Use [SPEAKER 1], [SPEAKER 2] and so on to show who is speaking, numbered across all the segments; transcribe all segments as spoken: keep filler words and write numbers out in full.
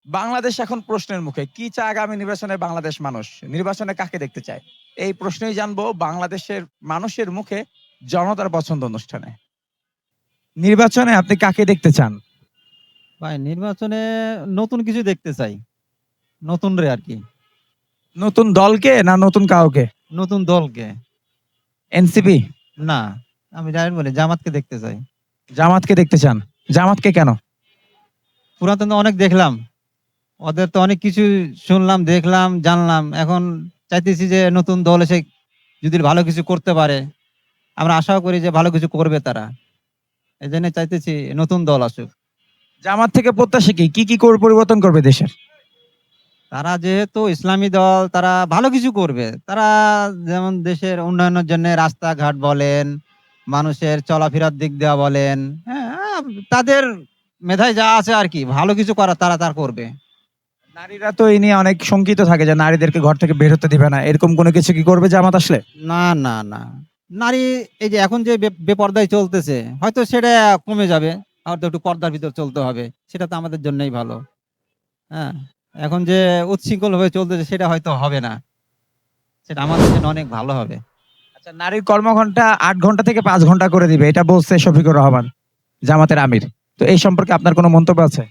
[SPEAKER 1] বাংলাদেশ এখন প্রশ্নের মুখে। কি চায় আগামী নির্বাচনে বাংলাদেশ মানুষ? নির্বাচনে কাকে দেখতে চায়? এই প্রশ্নই জানবো বাংলাদেশের মানুষের মুখে জনতার পছন্দ অনুষ্ঠানে। নির্বাচনে আপনি কাকে দেখতে চান?
[SPEAKER 2] ভাই নির্বাচনে নতুন কিছু দেখতে চাই। নতুন রে আরকি।
[SPEAKER 1] নতুন দলকে না নতুন কাউকে?
[SPEAKER 2] নতুন দলকে।
[SPEAKER 1] এনসিপি?
[SPEAKER 2] না, আমি ডাইরেক্ট বলি জামাতকে দেখতে চাই।
[SPEAKER 1] জামাতকে দেখতে চান? জামাতকে কেন?
[SPEAKER 2] পুরাতন তো অনেক দেখলাম। ওদের তো অনেক কিছু শুনলাম, দেখলাম, জানলাম। এখন চাইতেছি যে নতুন দল এসে যদি ভালো কিছু করতে পারে, আমরা আশাও করি যে ভালো কিছু করবে তারা। এজন্য চাইতেছি নতুন দল আসুক।
[SPEAKER 1] জামাত থেকে প্রত্যাশা কি? কি, কি কর পরিবর্তন করবে দেশের?
[SPEAKER 2] তারা যেহেতু ইসলামী দল, তারা ভালো কিছু করবে। তারা যেমন দেশের উন্নয়নের জন্য রাস্তাঘাট বলেন, মানুষের চলাফেরার দিক দেওয়া বলেন, হ্যাঁ, তাদের মেধায় যা আছে আরকি ভালো কিছু করা তারা তার করবে।
[SPEAKER 1] নারীরা তো এই নিয়ে অনেক শঙ্কিত থাকে যে নারীদেরকে ঘর থেকে বের হতে দিবে না। এরকম কোনো কিছু কি করবে জামাত আসলে?
[SPEAKER 2] না, না, না। নারী এই যে এখন যে বে বেপর্দায় চলতেছে, হয়তো সেটা কমে যাবে। হয়তো একটু পর্দার ভিতর চলতে হবে। সেটা তো আমাদের জন্যই ভালো। হ্যাঁ? এখন যে উচ্ছৃঙ্খলভাবে চলতেছে সেটা হয়তো হবে না। সেটা আমাদের জন্য অনেক ভালো হবে।
[SPEAKER 1] আচ্ছা, নারীর কর্মঘণ্টা আট ঘন্টা থেকে পাঁচ ঘন্টা করে দিবে। এটা বলছে শফিকুর রহমান, জামাতের আমির। তো এই সম্পর্কে আপনার কোনো মন্তব্য আছে?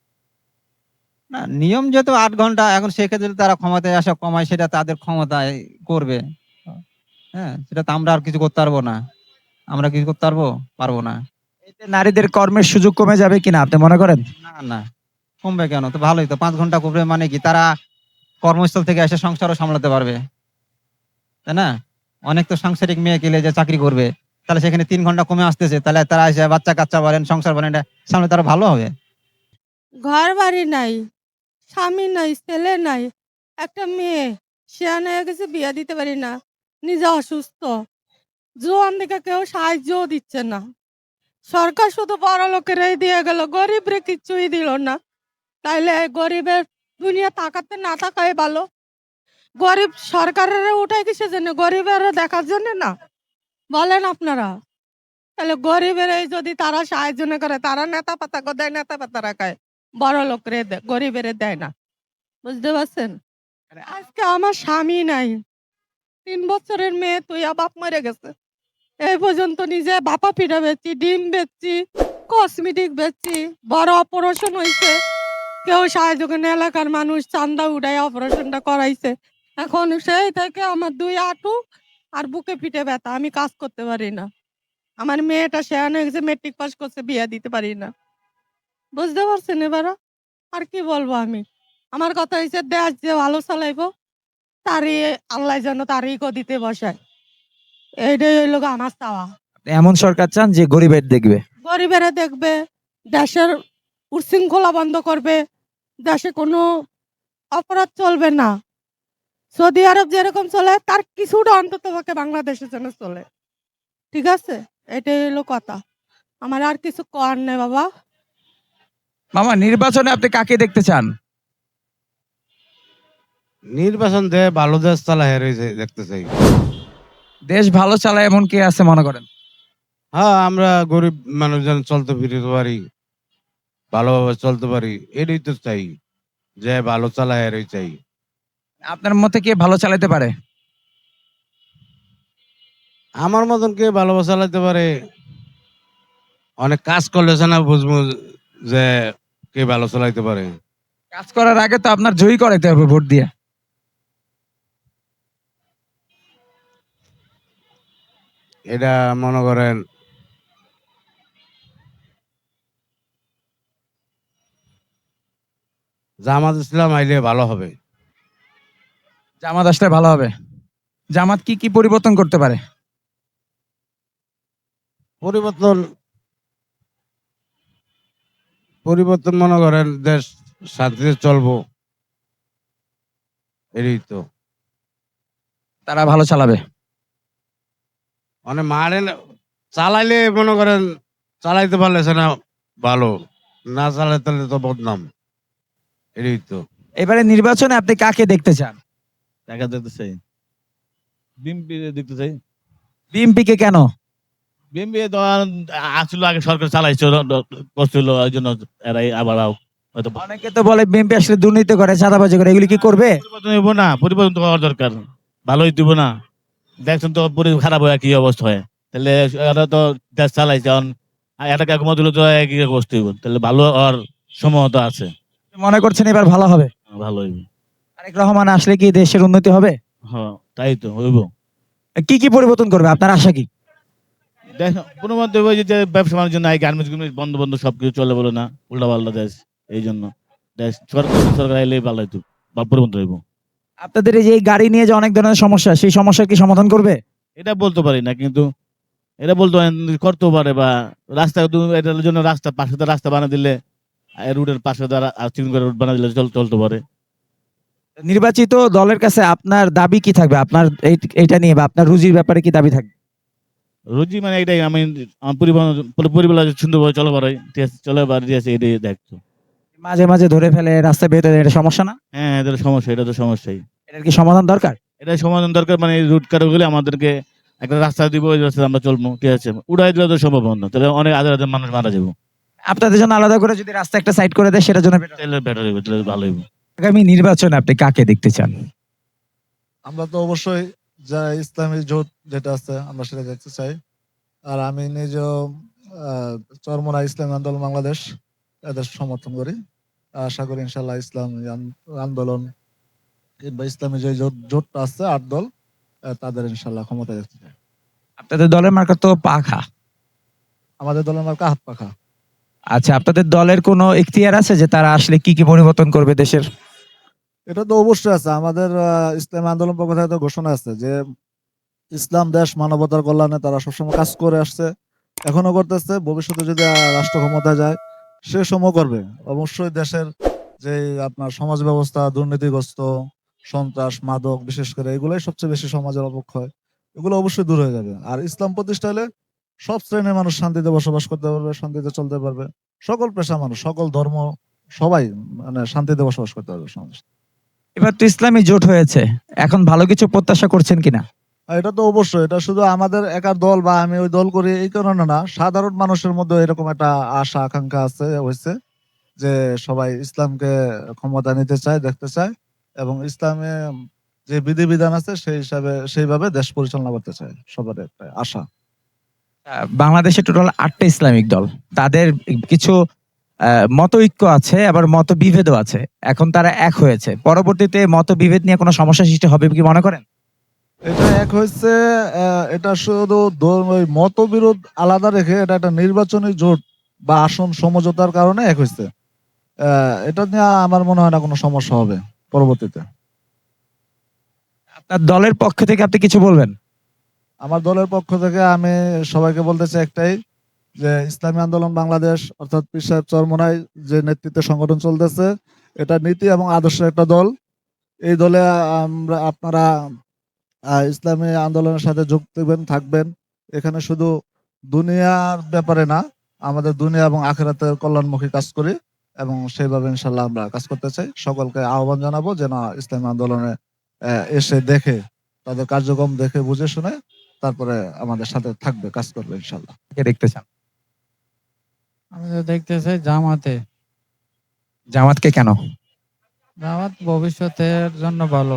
[SPEAKER 2] না, নিয়ম যেহেতু আট ঘন্টা, এখন সেক্ষেত্রে তারা ক্ষমতায় আসা কমায় সেটা তাদের ক্ষমতায় করবে। হ্যাঁ? সেটা তো আমরা আর কিছু করতে পারবো না। আমরা কিছু করতে পারবো? পারবো না।
[SPEAKER 1] এতে নারীদের কর্মের সুযোগ কমে যাবে কিনা আপনি মনে করেন?
[SPEAKER 2] না, না। কমবে কেন? তো ভালোই তো। পাঁচ ঘন্টা করবে মানে কি তারা কর্মস্থল থেকে এসে সংসারও সামলাতে পারবে। তাই না? অনেক তো সাংসারিক মেয়ে গেলে যে চাকরি করবে। তাহলে সেখানে তিন ঘন্টা কমে আসতেছে। তাহলে তারা এসে বাচ্চা-কাচ্চা বলেন, সংসার বলেন এটা সামলাতে আরো ভালো হবে।
[SPEAKER 3] ঘর বাড়ি নাই, স্বামী নাই, ছেলে নাই। একটা মেয়ে সেয়ান হয়ে গেছে, বিয়ে দিতে পারি না। নিজে অসুস্থ। জোয়ান দিকে কেউ সাহায্যও দিচ্ছে না। সরকার শুধু বড়লোকেরাই দিয়ে গেল, গরিবরে কিচ্ছুই দিল না। তাইলে এই গরিবের দুনিয়া তাকাতে না তাকাই ভালো। গরিব সরকারের উঠাই কিসের জন্য? গরিবের দেখার জন্য না? বলেন আপনারা। তাহলে গরিবের এই যদি তারা সাহায্য না করে, তারা নেতা পাতা দেয়, নেতা পাতারা খায়, বড় লোকরে দেয়, গরিবের দেয় না। বুঝতে পারছেন? আজকে আমার স্বামী নাই, তিন বছরের মেয়ে তুইয়া বাপ মরে গেছে। এই পর্যন্ত নিজে বাপা পিঠা বেচছি, ডিম বেচছি, কসমেটিক বেচছি, বড় অপারেশন হয়েছে, কেউ সাহায্য করে না, এলাকার মানুষ চান্দা উঠাই অপারেশনটা করাইছে। এখন সেই থেকে আমার দুই হাঁটু আর বুকে পিঠে ব্যথা, আমি কাজ করতে পারি না। আমার মেয়েটা শেয়ান হয়ে গেছে, মেট্রিক পাস করছে, বিয়ে দিতে পারি না। বুঝতে পারছেন এবার? আর কি বলবো আমি? আমার কথা হচ্ছে দেশ যে ভালো চালাইবো, তারই আল্লাহ যেন তারই গদিতে বসায়। এইটাই হইল গো আমার চাওয়া।
[SPEAKER 1] এমন সরকার চান যে গরিবের দেখবে?
[SPEAKER 3] গরিবেরা দেখবে, দেশের উচ্ছৃঙ্খলা বন্ধ করবে, দেশে কোনো অপরাধ চলবে না। সৌদি আরব যেরকম চলে তার কিছুটা অন্তত পক্ষে বাংলাদেশের জন্য চলে। ঠিক আছে? এটাই হলো কথা। আমার আর কিছু করার নেই বাবা।
[SPEAKER 1] মামা, নির্বাচনে আপনি কাকে দেখতে চান?
[SPEAKER 4] নির্বাচন দেয় ভালো দেশ চালা হেরে দেখতে চাই।
[SPEAKER 1] দেশ ভালো চালায় এমন কে আছে মনে করেন?
[SPEAKER 4] হ্যাঁ, আমরা গরিব মানুষজন চলতে ফিরতে পারি, ভালোভাবে চলতে পারি, এটাই তো চাই। যে ভালো চালা হেরে চাই।
[SPEAKER 1] আপনার মতে কে ভালো চালাতে পারে?
[SPEAKER 4] আমার মতন কে ভালোভাবে চালাতে পারে, অনেক কাজ করলে না বুঝবো যে কে ভালো চালাইতে পারে।
[SPEAKER 1] কাজ করার আগে তো আপনার জয়ী করাইতে হবে ভোট দিয়ে।
[SPEAKER 4] এটা মনে করেন জামাত ইসলাম আইলে ভালো হবে।
[SPEAKER 1] জামাত আসলে ভালো হবে। জামাত কি কি পরিবর্তন করতে পারে?
[SPEAKER 4] পরিবর্তন পরিবর্তন মনে করেন দেশ শান্তিতে চলবো, এটাই তো।
[SPEAKER 1] তারা ভালো চালাবে।
[SPEAKER 4] মানে মারে চালাইলে মনে করেন চালাইতে পারলে না ভালো, না চালাইতে পারলে তো বদনাম, এটাই তো।
[SPEAKER 1] এবারে নির্বাচনে আপনি কাকে দেখতে চান?
[SPEAKER 5] টাকা দেখতে চাই, বিএনপি দেখতে চাই।
[SPEAKER 1] বিএনপি কে কেন?
[SPEAKER 5] বিএনপি আসলে আগে সরকার চালাইছিল, করছিল, ওই জন্য এরাই আবার হয়তো
[SPEAKER 1] অনেকে তো বলে বিএনপি আসলে দুর্নীতি করে, চাঁদাবাজি করে, এগুলি কি করবে?
[SPEAKER 5] পরিবর্তন হইব না, পরিবর্তন তো হওয়ার দরকার, ভালোই দিব না। দেখছেন তো পরি- খারাপ হয় কি অবস্থা হয়, তাহলে এরা তো দেশ চালাইছে, এখন এটা কাকু দিলে তো একই অবস্থা হইব, তাহলে ভালো হওয়ার সম্ভাবনা আছে।
[SPEAKER 1] মনে করছেন এবার ভালো হবে?
[SPEAKER 5] ভালো হইব।
[SPEAKER 1] তারেক রহমান আসলে কি দেশের উন্নতি হবে?
[SPEAKER 5] হ্যাঁ তাই তো হইব।
[SPEAKER 1] কি কি পরিবর্তন করবে, আপনার আশা কি?
[SPEAKER 5] দেখ পুনর্বন্ধ হইব যে ব্যবসা বাণিজ্য নাই, গার্মেন্টস গুলো বন্ধ বন্ধ সবকিছু চলে বলে না, উল্টা পাল্টা দেশ, এই জন্য দেশ সরকার সরকার এলে ভালো হইতো বা পরিবর্তন হইব।
[SPEAKER 1] আপনাদের এই যে এই গাড়ি নিয়ে যে অনেক ধরনের সমস্যা, সেই সমস্যার কি সমাধান করবে?
[SPEAKER 5] এটা বলতে পারি না, কিন্তু এটা বলতে পারেন করতেও পারে, বা রাস্তা দু- এটার জন্য রাস্তা পাশে তো রাস্তা বানিয়ে দিলে, রুটের পাশে দ্বারা চিকন করে রুট বানিয়ে দিলে চল চলতে পারে।
[SPEAKER 1] নির্বাচিত দলের কাছে আপনার দাবি কি থাকবে, আপনার এই- এইটা নিয়ে বা আপনার রুজির ব্যাপারে কি দাবি থাকবে?
[SPEAKER 5] রুজি মানে এটাই, আমি আমার পরিবহন পরিবার সুন্দরভাবে চলে পারে, ঠিক আছে, চলে পারে, ঠিক আছে, এটাই দেখতো।
[SPEAKER 1] মাঝে মাঝে ধরে ফেলে রাস্তায় বেরোতে দেয়, এটা সমস্যা না?
[SPEAKER 5] হ্যাঁ এদের সমস্যা, এটা তো সমস্যাই।
[SPEAKER 1] এটার কি সমাধান দরকার?
[SPEAKER 5] এটা সমাধান দরকার, মানে রুট কাটা গেলে আমাদেরকে একটা রাস্তা দিব, ওই রাস্তায় আমরা চলবো, ঠিক আছে, উড়াই দিলে তো সম্ভব না, তাহলে অনেক হাজার হাজার মানুষ মারা যাবো।
[SPEAKER 1] আপনাদের জন্য আলাদা করে যদি রাস্তা একটা সাইড করে দেয়, সেটার জন্য better।
[SPEAKER 5] তাহলে বেটার হইব, তাহলে ভালো হইব।
[SPEAKER 1] আগামী নির্বাচনে আপনি কাকে দেখতে চান?
[SPEAKER 6] আমরা তো অবশ্যই যা ইসলামী জোট যেটা আছে আমরা সেটা দেখতে চাই। আর আমি নিজেও আহ, চরমোনা ইসলামী আন্দোলন বাংলাদেশ এদের সমর্থন করি। আশা করি ইনশাল্লাহ ইসলামী আন- আন্দোলন কিংবা ইসলামী যে জোট জোটটা আছে আট দল, আহ, তাদের ইনশাল্লাহ ক্ষমতা দেখতে চাই।
[SPEAKER 1] আপনাদের দলের মার্কা তো পাখা।
[SPEAKER 6] আমাদের দলের মার্কা হাত পাখা।
[SPEAKER 1] আচ্ছা, আপনাদের দলের কোনো ইখতিয়ার আছে যে তারা আসলে কি কি পরিবর্তন করবে দেশের?
[SPEAKER 6] এটা তো অবশ্যই আছে, আমাদের আহ, ইসলামী আন্দোলন পক্ষ থেকে তো ঘোষণা আছে যে ইসলাম দেশ মানবতার কল্যাণে তারা সবসময় কাজ করে আসছে, এখনো করতেছে, ভবিষ্যতে যদি আহ, রাষ্ট্র ক্ষমতায় যায় সে সময় করবে। অবশ্যই দেশের যে আপনার সমাজ ব্যবস্থা দুর্নীতিগ্রস্ত, সন্ত্রাস, মাদক, বিশেষ করে এগুলাই সবচেয়ে বেশি সমাজের অবক্ষয়, এগুলো অবশ্যই দূর হয়ে যাবে। আর ইসলাম প্রতিষ্ঠা হলে সব শ্রেণীর মানুষ শান্তিতে বসবাস করতে পারবে, শান্তিতে চলতে পারবে, সকল পেশা মানুষ, সকল ধর্ম, সবাই মানে শান্তিতে বসবাস করতে পারবে সমাজ।
[SPEAKER 1] এবার তো ইসলামী জোট হয়েছে, এখন ভালো কিছু প্রত্যাশা করছেন কিনা?
[SPEAKER 6] আর এটা তো অবশ্যই, এটা শুধু আমাদের একার দল বা আমি ওই দল করি এই কারণে না, সাধারণ মানুষের মধ্যে এরকম একটা আশা আকাঙ্ক্ষা আছে হয়েছে যে সবাই ইসলামকে ক্ষমতা নিতে চায়, দেখতে চায়, এবং ইসলামে যে বিধিবিধান আছে সেই হিসাবে সেইভাবে দেশ পরিচালনা করতে চায়, সবার একটা আশা।
[SPEAKER 1] আহ, বাংলাদেশে টোটাল আটটা ইসলামিক দল, তাদের কিছু আহ, মত ঐক্য আছে, আবার মত বিভেদও আছে। এখন তারা এক হয়েছে, পরবর্তীতে মত বিভেদ নিয়ে কোনো সমস্যা সৃষ্টি হবে কি মনে করেন?
[SPEAKER 6] এটা এক হয়েছে, আহ, এটা শুধু ধর্ম- ওই মতবিরোধ আলাদা রেখে এটা একটা নির্বাচনী জোট বা আসন সমঝোতার কারণে এক হয়েছে। আহ, এটা নিয়ে আমার মনে হয় না কোনো সমস্যা হবে পরবর্তীতে।
[SPEAKER 1] আপনার দলের পক্ষ থেকে আপনি কিছু বলবেন?
[SPEAKER 6] আমার দলের পক্ষ থেকে আমি সবাইকে বলতে চাই একটাই, যে ইসলামী আন্দোলন বাংলাদেশ অর্থাৎ পীর সাহেব চরমোনাই যে নেতৃত্বে সংগঠন চলতেছে, এটা নীতি এবং আদর্শের একটা দল। এই দলে আমরা আপনারা আহ, ইসলামী আন্দোলনের সাথে যোগ দেবেন, থাকবেন। এখানে শুধু দুনিয়ার ব্যাপারে না, আমাদের দুনিয়া এবং আখেরাতের কল্যাণমুখী কাজ করি, এবং সেইভাবে ইনশাল্লাহ আমরা কাজ করতে চাই। সকলকে আহ্বান জানাবো যেন ইসলামী আন্দোলনে আহ, এসে দেখে, তাদের কার্যক্রম দেখে বুঝে শুনে তারপরে আমাদের সাথে থাকবে, কাজ করবে ইনশাল্লাহ।
[SPEAKER 1] কে দেখতে চান?
[SPEAKER 7] আমি তো দেখতে চাই জামাতে।
[SPEAKER 1] জামাতকে কেন?
[SPEAKER 7] জামাত ভবিষ্যতের জন্য ভালো।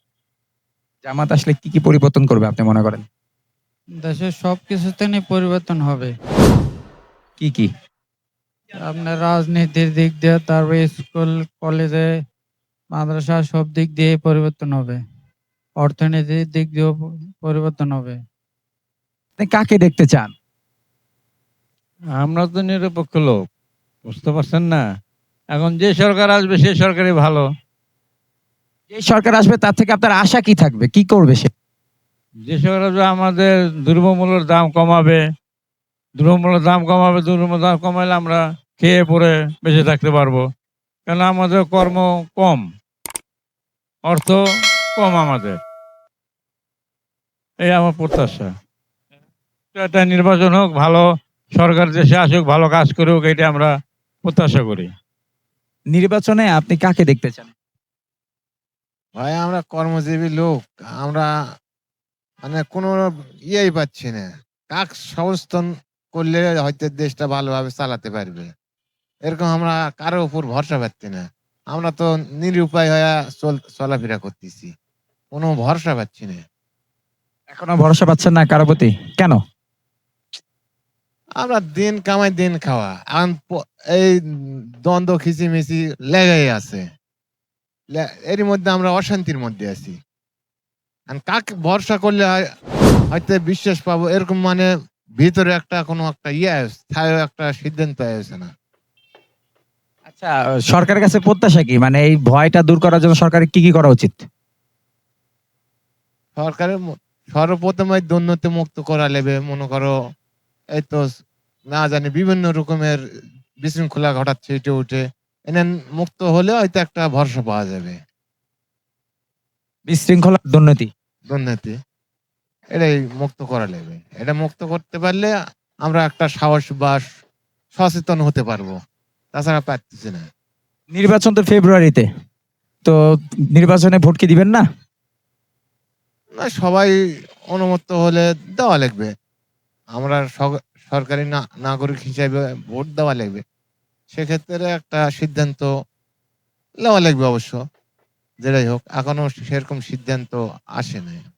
[SPEAKER 1] জামাত আসলে কি কি পরিবর্তন করবে আপনি মনে করেন?
[SPEAKER 7] দেশের সব কিছুতে নিয়ে পরিবর্তন হবে।
[SPEAKER 1] কি কি?
[SPEAKER 7] আপনার রাজনীতির দিক দিয়ে, তারপরে স্কুল কলেজে মাদ্রাসা সব দিক দিয়ে পরিবর্তন হবে। অর্থনীতির দিক দিয়েও প- পরিবর্তন হবে।
[SPEAKER 1] আপনি কাকে দেখতে চান?
[SPEAKER 8] আমরা তো নিরপেক্ষ লোক, বুঝতে পারছেন না? এখন যে সরকার আসবে সেই সরকারই ভালো।
[SPEAKER 1] যে সরকার আসবে তার থেকে আপনার আশা কি থাকবে, কি করবে সে?
[SPEAKER 8] যে সরকার আসবে আমাদের দ্রব্যমূল্যের দাম কমাবে, দ্রব্যমূল্যের দাম কমাবে, দ্রব্যমূল্যের দাম কমাইলে আমরা খেয়ে পরে বেঁচে থাকতে পারবো। কেন আমাদের কর্ম কম, অর্থ কম আমাদের। এই আমার প্রত্যাশা। একটা নির্বাচন হোক, ভালো সরকার দেশে আসুক, ভালো কাজ করুক, এটা আমরা প্রত্যাশা করি।
[SPEAKER 1] নির্বাচনে আপনি কাকে দেখতে চান?
[SPEAKER 9] ভাই আমরা কর্মজীবী লোক, আমরা মানে কোনো ইয়েই পাচ্ছি না, কাক সংস্থান করলে হয়তো দেশটা ভালোভাবে চালাতে পারবে। এরকম আমরা কারো উপর ভরসা পাচ্ছি না। আমরা তো নিরুপায় হয়ে চল চলাফেরা করতেছি, কোনো ভরসা পাচ্ছি না।
[SPEAKER 1] এখনো ভরসা পাচ্ছেন না কারো প্রতি, কেন?
[SPEAKER 9] আমরা দিন কামাই দিন খাওয়া, এখন প- এই দ্বন্দ্ব খিচিমিচি লেগেই আছে। লে- এরই মধ্যে আমরা অশান্তির মধ্যে আছি। আর কাকে ভরসা করলে হয়- হয়তো বিশ্বাস পাবো, এরকম মানে ভিতরে একটা কোনো একটা ইয়ে আছে, স্থায়ী একটা সিদ্ধান্ত আছে না।
[SPEAKER 1] আচ্ছা, সরকারের কাছে প্রত্যাশা কি, মানে এই ভয়টা দূর করার জন্য সরকারের কি কি করা উচিত?
[SPEAKER 9] সরকারের ম- সর্বপ্রথমে দুর্নীতি মুক্ত করা লেবে, মনে করো এই তো না জানি বিভিন্ন রকমের বিশৃঙ্খলা ঘটাচ্ছে এটা উঠে, এনে মুক্ত হলে হয়তো একটা ভরসা পাওয়া যাবে।
[SPEAKER 1] বিশৃঙ্খলা, দুর্নীতি।
[SPEAKER 9] দুর্নীতি এটাই মুক্ত করা লেবে, এটা মুক্ত করতে পারলে আমরা একটা সাহস বা সচেতন হতে পারবো, তাছাড়া পারতেছি না।
[SPEAKER 1] নির্বাচন তো ফেব্রুয়ারিতে, তো নির্বাচনে ভোট কি দিবেন না?
[SPEAKER 9] না, সবাই অনুমত হলে দেওয়া লাগবে। আমরা সগ- সরকারি না- নাগরিক হিসাবে ভোট দেওয়া লাগবে, সেক্ষেত্রে একটা সিদ্ধান্ত নেওয়া লাগবে অবশ্য। যেটাই হোক, এখনো সেরকম সিদ্ধান্ত আসে নাই।